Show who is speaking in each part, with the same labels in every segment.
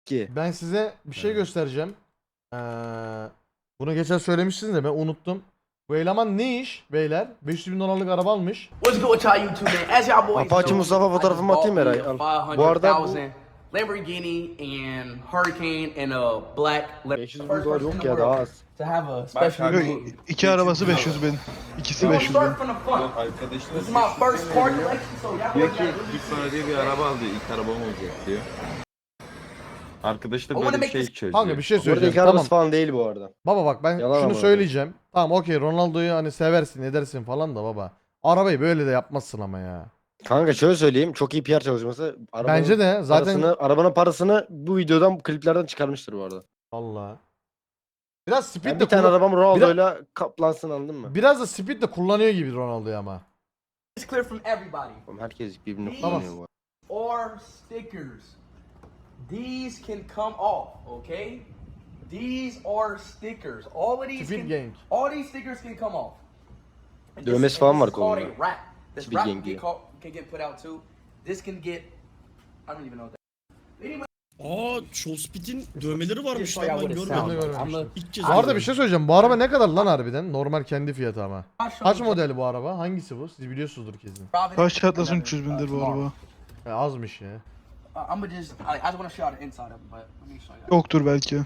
Speaker 1: ki.
Speaker 2: Ben size bir şey göstereceğim. Bunu geçen söylemişsiniz de ben unuttum. Bu eleman ne iş beyler? 500 bin dolarlık araba almış.
Speaker 3: What's good with y'all YouTube man? As y'all boys
Speaker 1: Apache
Speaker 3: know,
Speaker 1: Mustafa
Speaker 3: I just
Speaker 1: fotoğrafımı
Speaker 3: bought
Speaker 1: atayım
Speaker 3: me
Speaker 1: Eray,
Speaker 3: a
Speaker 1: al. Bu arada bu
Speaker 3: 500,000 Lamborghini and Hurricane and a black
Speaker 1: 500 bin dolar yok ya, daha az.
Speaker 3: to have a special
Speaker 4: Yok,
Speaker 3: day.
Speaker 4: iki arabası 500 bin. İkisi
Speaker 3: We're gonna
Speaker 4: 500 bin.
Speaker 3: start from the front.
Speaker 5: Arkadaşlar
Speaker 3: This is my first car collection, so y'all
Speaker 5: diyor
Speaker 3: boys
Speaker 5: ki
Speaker 3: gotta
Speaker 5: git bana diye bir araba aldı. İlk arabam olacak diyor. Arkadaş da böyle bir şey çözüyor.
Speaker 2: Kanka bir şey
Speaker 1: Bu arada
Speaker 2: söyleyeceğim.
Speaker 1: ilk arabası
Speaker 2: Tamam.
Speaker 1: falan değil bu arada.
Speaker 2: Baba bak ben
Speaker 1: Yalan
Speaker 2: şunu
Speaker 1: ama.
Speaker 2: söyleyeceğim. Tamam okey Ronaldo'yu hani seversin edersin falan da baba. Arabayı böyle de yapmazsın ama ya.
Speaker 1: Kanka şöyle söyleyeyim, çok iyi PR çalışması.
Speaker 2: Bence de zaten
Speaker 1: Arabanın parasını bu videodan, bu kliplerden çıkarmıştır bu arada.
Speaker 2: Allah. Biraz speed
Speaker 1: Yani
Speaker 2: de
Speaker 1: bir tane arabam
Speaker 2: biraz,
Speaker 1: Ronaldo'yla kaplansın, anladın mı?
Speaker 2: biraz da speed de kullanıyor gibi Ronaldo'yu ama.
Speaker 3: It's clear from everybody.
Speaker 1: Oğlum herkes birbirini
Speaker 3: Tamam.
Speaker 1: kullanıyor bu arada.
Speaker 3: Or stickers. These can come off, okay? These are stickers. All of these
Speaker 2: Speed
Speaker 3: can,
Speaker 2: Gang.
Speaker 3: all these stickers can come off. And
Speaker 1: Dövmesi falan var
Speaker 3: is called
Speaker 1: kolunda.
Speaker 3: a wrap. This
Speaker 1: Speed
Speaker 3: wrap
Speaker 1: Gang diye.
Speaker 3: can get put out too. This can get, I don't even know that. Anyway,
Speaker 6: Shospit'in dövmeleri varmış
Speaker 3: just so
Speaker 6: lan
Speaker 3: y'all
Speaker 6: ben
Speaker 3: what it
Speaker 6: görmedim.
Speaker 3: sounds like.
Speaker 2: görmemiştim.
Speaker 6: İlk kez
Speaker 2: Bu arada
Speaker 6: görüyorum.
Speaker 2: bir şey söyleyeceğim. Bu araba ne kadar lan harbiden? Normal kendi fiyatı ama.
Speaker 3: I'll show
Speaker 2: Kaç
Speaker 3: you
Speaker 2: model bu araba? Hangisi bu? Siz biliyorsunuzdur kesin.
Speaker 3: Robin,
Speaker 4: Kaç çatlasın
Speaker 3: another,
Speaker 4: 300 bindir bu
Speaker 3: tomorrow.
Speaker 4: araba.
Speaker 2: Azmış ya.
Speaker 3: I'm gonna just, I just want to show you the inside of it, but let me show you.
Speaker 4: Yoktur belki.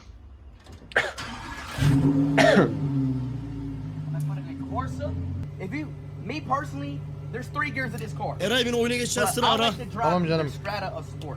Speaker 3: Let's put it in Corsa. If you, me personally, there's 3 gears of this car.
Speaker 6: Eray beni oyuna
Speaker 3: But
Speaker 6: geçersin
Speaker 3: I
Speaker 6: ara.
Speaker 3: like to drive
Speaker 2: Tamam
Speaker 3: the
Speaker 2: canım.
Speaker 3: Strata of sport.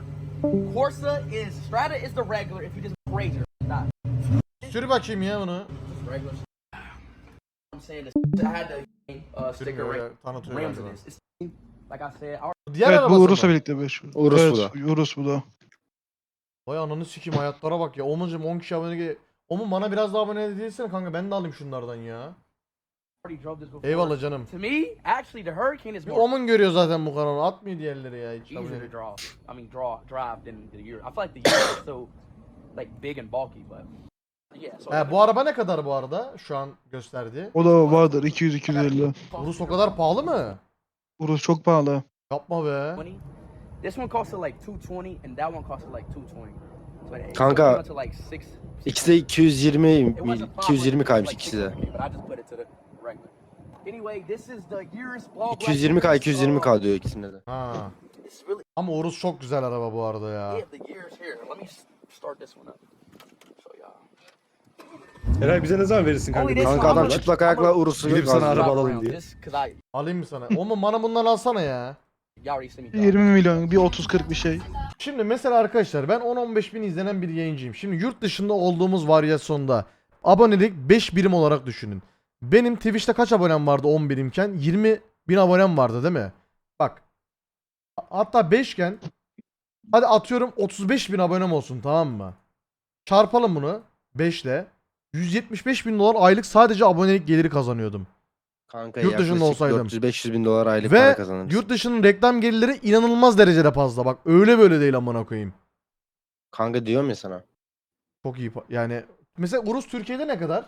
Speaker 3: Strata is the regular if you just crazy. Not
Speaker 2: Sür bakayım ya bunu.
Speaker 3: just regular. I'm saying this. I had the sticker
Speaker 2: Sürmüyor ya,
Speaker 3: rim,
Speaker 2: tanıtıyor
Speaker 3: rims
Speaker 2: galiba.
Speaker 3: of this. It's, like I said, our
Speaker 2: Diğer
Speaker 4: Evet
Speaker 2: arabası
Speaker 4: bu
Speaker 2: mı?
Speaker 4: Urus'la birlikte 500.
Speaker 1: Urus
Speaker 4: evet,
Speaker 1: bu da.
Speaker 4: Urus bu da.
Speaker 2: Vay ananı sikeyim hayatlara bak ya. Omuncum 10 kişi abone gel. Omun bana biraz daha abone değilsene kanka, ben de alayım şunlardan ya.
Speaker 3: already drove this before.
Speaker 2: Eyvallah canım.
Speaker 3: To me, actually, the Hurricane is
Speaker 2: Bir
Speaker 3: more
Speaker 2: Omun görüyor zaten bu kanalı. Atmıyor diğerleri ya hiç.
Speaker 3: easier
Speaker 2: abone.
Speaker 3: to draw. I mean, drive than the Euro. I feel like the Euro is so like big and bulky, but yeah. So
Speaker 2: He, bu araba ne kadar bu arada şu an gösterdi?
Speaker 4: O da vardır 200-250.
Speaker 2: Urus o kadar pahalı mı?
Speaker 4: Urus çok pahalı.
Speaker 2: Yapma be.
Speaker 3: 20. This one costed like 220 and that one costed like 220. So it
Speaker 1: Kanka,
Speaker 3: came out to like six.
Speaker 1: İkisi de 220
Speaker 3: It wasn't
Speaker 1: 220
Speaker 3: 500,
Speaker 1: kaymış
Speaker 3: it was
Speaker 1: ikisi de.
Speaker 3: like 600K, but I just put it to the regular. Anyway, this is the Urus Ball
Speaker 1: 220k 220k diyor ikisinde de.
Speaker 2: Ha.
Speaker 3: It's really
Speaker 2: Ama Urus çok güzel araba bu arada ya.
Speaker 3: yeah, the Urus here. Let me start this one up. Show y'all.
Speaker 7: Eray bize ne zaman verirsin kanka?
Speaker 3: Only this
Speaker 1: Kanka
Speaker 3: one,
Speaker 1: adam
Speaker 3: I'm
Speaker 1: çıplak
Speaker 3: a-
Speaker 1: ayakla Urus'u
Speaker 7: Gidip sana
Speaker 1: gazlıyor.
Speaker 7: araba
Speaker 3: Drive
Speaker 7: alalım
Speaker 3: around
Speaker 7: diye.
Speaker 3: this 'cause I
Speaker 2: Alayım mı sana? Omun bana bundan alsana ya.
Speaker 3: y'all already see me drive.
Speaker 4: 20 milyon, bir 30-40 bir şey.
Speaker 2: Şimdi mesela arkadaşlar ben 10-15 bin izlenen bir yayıncıyım. Şimdi yurt dışında olduğumuz varyasyonda abonelik 5 birim olarak düşünün. Benim Twitch'te kaç abonem vardı 10 birimken? 20 bin abonem vardı değil mi? Bak. Hatta 5 iken hadi atıyorum 35 bin abonem olsun, tamam mı? Çarpalım bunu 5 ile. 175 bin dolar aylık sadece abonelik geliri kazanıyordum.
Speaker 1: Kanka
Speaker 2: Yurt dışında
Speaker 1: yaklaşık
Speaker 2: olsaydım.
Speaker 1: 400-500 bin dolar aylık para
Speaker 2: Ve
Speaker 1: kazanırsın.
Speaker 2: yurt dışının reklam gelirleri inanılmaz derecede fazla. Bak öyle böyle değil amına koyayım.
Speaker 1: Kanka diyorum ya sana.
Speaker 2: Çok iyi. Yani mesela Urus Türkiye'de ne kadar?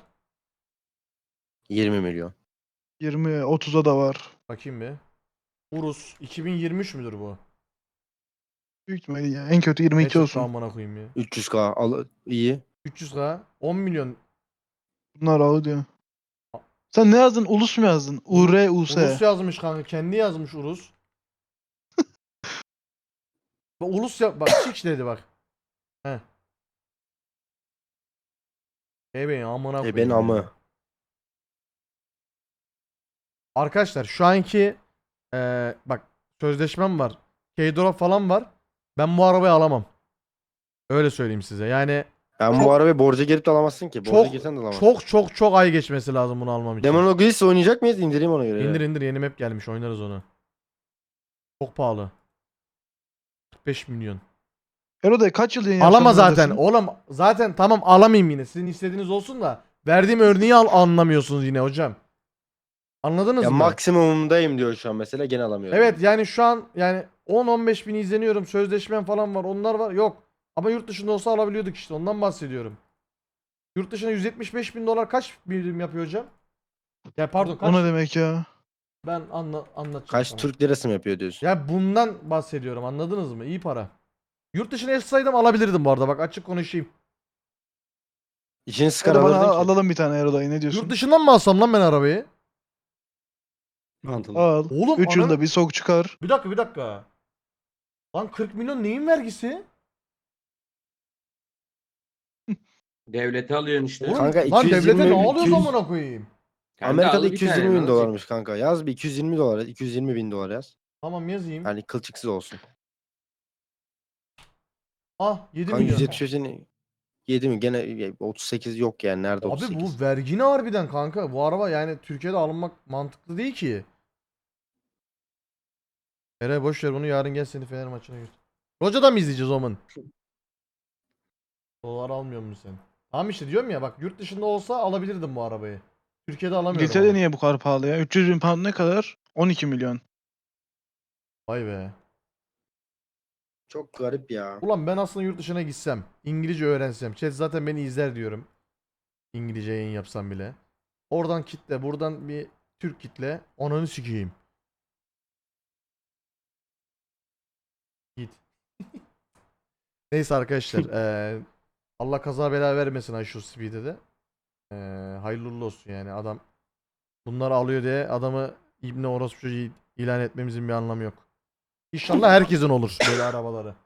Speaker 1: 20 milyon.
Speaker 4: 20-30'a da var.
Speaker 2: Bakayım bir. Urus 2023 müdür bu?
Speaker 4: Büyük ihtimalle ya. En kötü 22
Speaker 2: Gerçekten
Speaker 4: olsun.
Speaker 2: amına koyayım ya.
Speaker 1: 300k iyi.
Speaker 2: 300k 10 milyon.
Speaker 4: Bunlar ağlı diyor. Sen ne yazdın? Ulus mu yazdın? URUS.
Speaker 2: Urus yazmış kanka. Kendi yazmış Urus. Bak Ulus ya, bak çık dedi bak. He. Ben amına koyayım.
Speaker 1: Ben
Speaker 2: ya.
Speaker 1: amı.
Speaker 2: Arkadaşlar şu anki bak sözleşmem var. K-Drop falan var. Ben bu arabayı alamam. Öyle söyleyeyim size. Yani
Speaker 1: Ben
Speaker 2: Çok-
Speaker 1: bu arabayı borca girip de alamazsın ki. Borca
Speaker 2: çok
Speaker 1: girsen de alamazsın.
Speaker 2: çok ay geçmesi lazım bunu almam için.
Speaker 1: Demon Oglis oynayacak mıyız? İndireyim ona göre.
Speaker 2: İndir indir, yeni map gelmiş, oynarız onu. Çok pahalı. 45 milyon.
Speaker 4: Eroday kaç yıl yayın
Speaker 2: Alama
Speaker 4: yapacağım
Speaker 2: zaten.
Speaker 4: neredesin?
Speaker 2: Oğlum zaten tamam alamayayım yine. Sizin istediğiniz olsun da verdiğim örneği anlamıyorsunuz yine hocam. Anladınız
Speaker 1: Ya
Speaker 2: mı?
Speaker 1: maksimumundayım diyor şu an mesela, gene alamıyorum.
Speaker 2: Evet yani şu an yani 10-15 bin izleniyorum. Sözleşmem falan var. Onlar var. Yok. Ama yurt dışında olsa alabiliyorduk işte. Ondan bahsediyorum. Yurt dışına 175 bin dolar kaç birim yapıyor hocam? Ya pardon kaç?
Speaker 4: O ne demek ya?
Speaker 2: Ben anlatacağım
Speaker 1: Kaç
Speaker 2: sana.
Speaker 1: Türk lirası mı yapıyor diyorsun?
Speaker 2: Ya bundan bahsediyorum, anladınız mı? İyi para. Yurt dışına yaşasaydım alabilirdim bu arada, bak açık konuşayım.
Speaker 1: İçini sıkar
Speaker 4: Hadi bana
Speaker 1: alırdın ki.
Speaker 4: alalım bir tane Erodayı, ne diyorsun?
Speaker 2: Yurt dışından mı alsam lan ben arabayı?
Speaker 5: Mantıklı.
Speaker 4: Al.
Speaker 2: Oğlum
Speaker 4: 3 yılda
Speaker 2: ananı-
Speaker 4: bir sok çıkar.
Speaker 2: Bir dakika. Lan 40 milyon neyin vergisi?
Speaker 7: Devlete alıyorsun işte.
Speaker 2: Oğlum,
Speaker 1: Kanka,
Speaker 2: lan
Speaker 1: 220
Speaker 2: devlete ne alıyoruz
Speaker 1: 200
Speaker 2: amına koyayım?
Speaker 7: Kanka
Speaker 1: Amerika'da
Speaker 7: al bir
Speaker 1: 220
Speaker 7: tane, ne
Speaker 1: bin
Speaker 7: olacak?
Speaker 1: dolarmış kanka. Yaz bir 220 dolar, 220 bin dolar yaz.
Speaker 2: Tamam yazayım.
Speaker 1: Yani kılçıksız olsun.
Speaker 2: Ah 7
Speaker 1: Kanka
Speaker 2: milyon.
Speaker 1: 175'in 7 mi? Gene 38 yok yani. Nerede
Speaker 2: Abi
Speaker 1: 38?
Speaker 2: bu vergi ne harbiden kanka? Bu araba yani Türkiye'de alınmak mantıklı değil ki. Eray boş ver bunu, yarın gel seni Fener maçına götür. Roca'da mı izleyeceğiz o zaman? Dolar almıyor musun sen? Tamam işte diyorum ya, bak yurt dışında olsa alabilirdim bu arabayı. Türkiye'de alamıyorum
Speaker 4: İngiltere'de
Speaker 2: ama.
Speaker 4: niye bu kadar pahalı ya? 300 bin pound ne kadar? 12 milyon.
Speaker 2: Vay be.
Speaker 1: Çok garip ya.
Speaker 2: Ulan ben aslında yurt dışına gitsem, İngilizce öğrensem, chat zaten beni izler diyorum. İngilizce yayın yapsam bile. Oradan kitle, buradan bir Türk kitle, ananı sikeyim. Git. Neyse arkadaşlar, Allah kaza bela vermesin Ayşe Speed'e de. Hayırlı uğurlu olsun yani, adam bunları alıyor diye adamı İbni orospu çocuğu ilan etmemizin bir anlamı yok. İnşallah herkesin olur böyle arabaları.